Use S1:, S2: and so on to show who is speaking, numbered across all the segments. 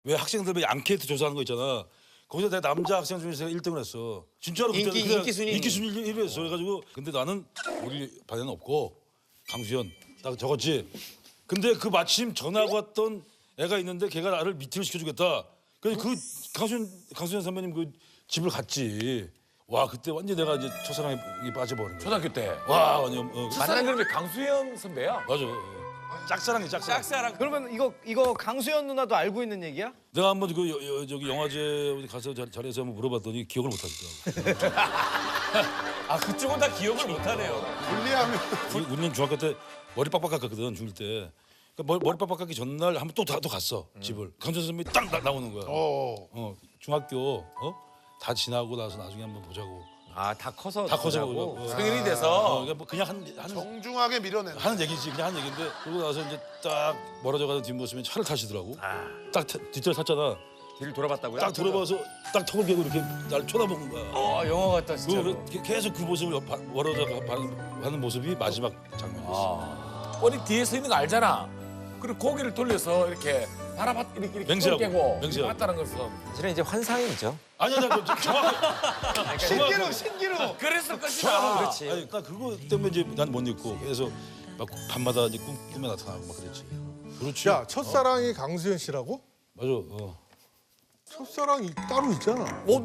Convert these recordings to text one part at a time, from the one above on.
S1: 왜 학생들 왜 앙케이트 조사하는 거 있잖아. 거기서 내가 남자 학생 중에서 1등을 했어. 진짜로 그때
S2: 인기 순위.
S1: 인기 순위 1위 했어. 그래가지고 근데 나는 우리 반에는 없고 강수현 딱 적었지. 근데 그 마침 전화가 왔던 애가 있는데 걔가 나를 미팅을 시켜주겠다. 그래서 그 강수현 선배님 그 집을 갔지. 와 그때 완전 내가 이제 첫사랑에 빠져버린 거야.
S3: 초등학교 때.
S1: 와 완전
S3: 만난 그러면 강수영 선배야?
S1: 맞아. 짝사랑이 짝사랑.
S2: 짝사랑. 그러면 이거 강수연 누나도 알고 있는 얘기야?
S1: 내가 한번 그 저기 영화제 어디 가서 자리에서 한번 물어봤더니 기억을 못 하더라고.
S3: 아 그쪽은 다 기억을 못하네요.
S4: 불리하면
S1: 우리는 중학교 때 머리 빡빡 깎았거든 중1 때. 그러니까 머리 빡빡 깎기 전날 한번 또 갔어 집을. 강준 선배님이 딱 나오는 거야. 중학교 다 지나고 나서 나중에 한번 보자고.
S2: 아 다 커서
S1: 다 커서
S2: 보자고?
S1: 보자고.
S3: 성인이 돼서
S1: 그러니까 뭐 그냥 하는
S4: 정중하게 밀어내는.
S1: 얘기지 그냥 하는 얘기인데 그러고 나서 이제 딱 멀어져가는 뒷모습에 차를 타시더라고. 딱 뒷자리 탔잖아.
S3: 뒤를 돌아봤다고요?
S1: 딱 돌아봐서 딱 턱을 깨고 이렇게 날 쳐다보는 거야.
S2: 영화 같다 진짜.
S1: 계속 그 모습을 멀어져 하는 모습이 마지막 장면이었어.
S3: 머리 뒤에 서 있는 거 알잖아. 그리고 고개를 돌려서 이렇게 바라봤 이렇게
S1: 맹세하고,
S3: 깨고
S1: 맹세하고.
S3: 봤다는 것은
S2: 사실은 이제 환상이죠.
S1: 아니야, 정확히.
S2: 신기루.
S3: 그랬을 것이다.
S2: 그렇지.
S1: 아니, 나 그거 때문에 이제 난 못 잊고 그래서 막 밤마다 이제 꿈에 나타나고 막 그랬지. 그렇지.
S5: 야, 첫사랑이 강수현 씨라고?
S1: 맞아.
S5: 첫사랑이 따로 있잖아.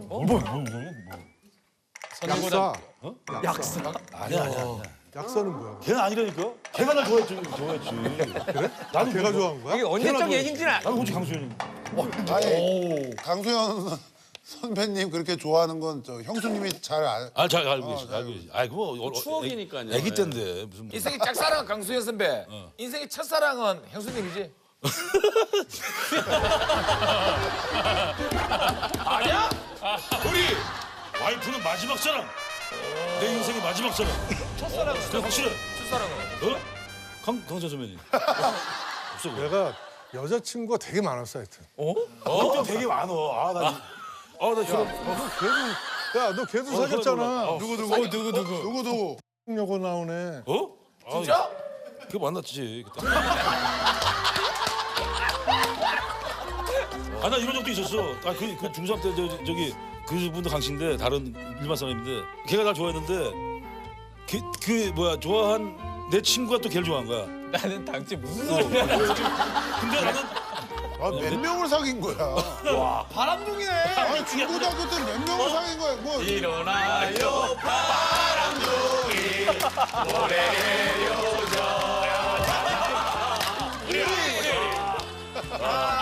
S1: 선생보다
S5: 약사.
S1: 아니야.
S5: 약사는 뭐야?
S1: 걔는 아니라니까. 걔가 날 좋아했지.
S5: 그래?
S1: 나도
S5: 걔가 좋아한 거야?
S2: 이게 언제적 얘긴지는
S1: 나는 오직 강수현이.
S4: 아니 강수현 선배님 그렇게 좋아하는 건 저 형수님이 잘 알.
S1: 잘 알고 계시. 알고 계시. 아, 그거
S6: 추억이니까요.
S1: 애기 때인데 무슨.
S3: 인생의 짝사랑은 강수현 선배. 인생의 첫사랑은 형수님이지. 아니야?
S1: 우리 와이프는 마지막 사랑. 내 인생의 마지막 사랑. 첫사랑. 그래 확실해.
S3: 첫사랑은?
S1: 강수현 선배님. 없어. 그래.
S5: 내가 여자친구가 되게 많았어, 하여튼.
S1: 또 되게 많어. 나 싫어.
S5: 야, 너 걔도 사귀었잖아.
S4: 누구도
S5: 여고 나오네.
S3: 진짜?
S1: 그거 만났지 그때. 나 이런 적도 있었어. 그 중3 때 저기 그분도 강씨인데 다른 일반 사람인데 걔가 날 좋아했는데 그 뭐야 좋아한 내 친구가 또 걔를 좋아한 거야.
S2: 나는 당최 무슨 소리야?
S1: 근데 나는
S4: 몇 명을 사귄 거야.
S2: 바람둥이네.
S4: 아니 중고등학교 때 몇 명을 사귄 거야. 뭐
S3: 일어나요 바람둥이 노래를 요져야